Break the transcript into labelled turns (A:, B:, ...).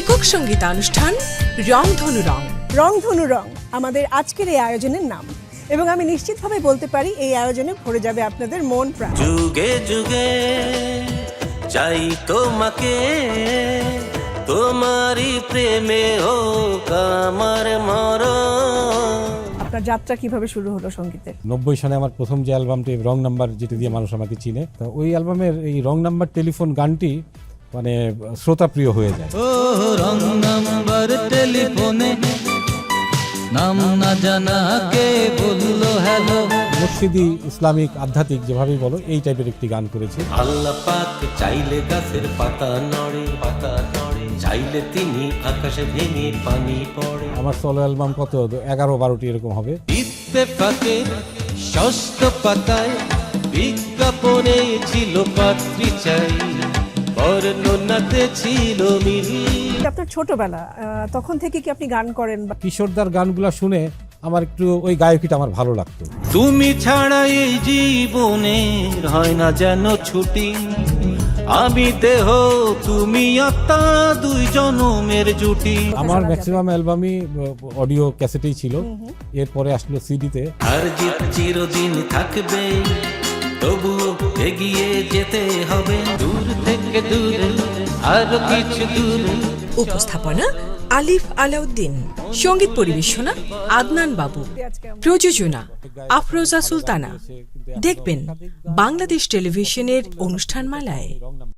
A: একক সঙ্গীতানুষ্ঠান রংধনু রং।
B: রংধনু রং আমাদের আজকের এই আয়োজনের নাম, এবং আমি নিশ্চিতভাবে বলতে পারি এই আয়োজনে ভরে যাবে আপনাদের মন প্রাণ।
C: যুগে যুগে চাই তোমাকে, তোমারই প্রেমে হোক আমার মরণ।
B: আপনার যাত্রা কিভাবে শুরু হলো সঙ্গীতের?
D: 90 সালে আমার প্রথম যে অ্যালবামটি রং নাম্বার, যেটা দিয়ে মানুষ আমাকে চিনে, তো ওই অ্যালবামের এই রং নাম্বার টেলিফোন গানটি মানে শ্রোতাপ্রিয় হয়ে যায়।
E: ও রং নাম্বার টেলিফোনে নাম না জানা কে বললো হ্যালো।
D: মুর্শিদি ইসলামিক আধ্যাত্মিক যেভাবেই বলো, এই টাইপের একটি গান করেছি।
C: আল্লাহ পাক চাইলে গাছের পাতা নড়ে, পাতা নড়ে, চাইলে তিনি আকাশে ভেঙে পানি পড়ে।
D: আমার সোলো অ্যালবাম কত 11-12টি এরকম হবে।
C: ইত্তেফাকে ষষ্ঠ পাতায় বিজ্ঞাপনে ছিল পাত্রী চাই, বর্ণনাতে ছিল মিল।
B: আপনার ছোটবেলা তখন থেকে কি আপনি গান করেন?
D: কিশোরদার গানগুলো শুনে আমার একটু ওই গায়কিটা আমার ভালো লাগতো।
C: তুমি ছাড়া এই জীবনে হয় না যেন ছুটি, আমি দেহ তুমি আত্মা, দুই জনমের জুটি।
D: আমার ম্যাক্সিমাম অ্যালবামই অডিও ক্যাসেটেই ছিল, এরপরে আসলো সিডিতে।
C: আর জিত চিরদিন থাকবে, তবু এগিয়ে যেতে হবে, দূর থেকে দূরে আরো কিছু দূরে।
A: উপস্থাপনা আলিফ আলাউদ্দিন, সঙ্গীত পরিবেশনা আদনান বাবু, প্রযোজনা আফরোজা সুলতানা। দেখবেন বাংলাদেশ টেলিভিশনের অনুষ্ঠানমালায়।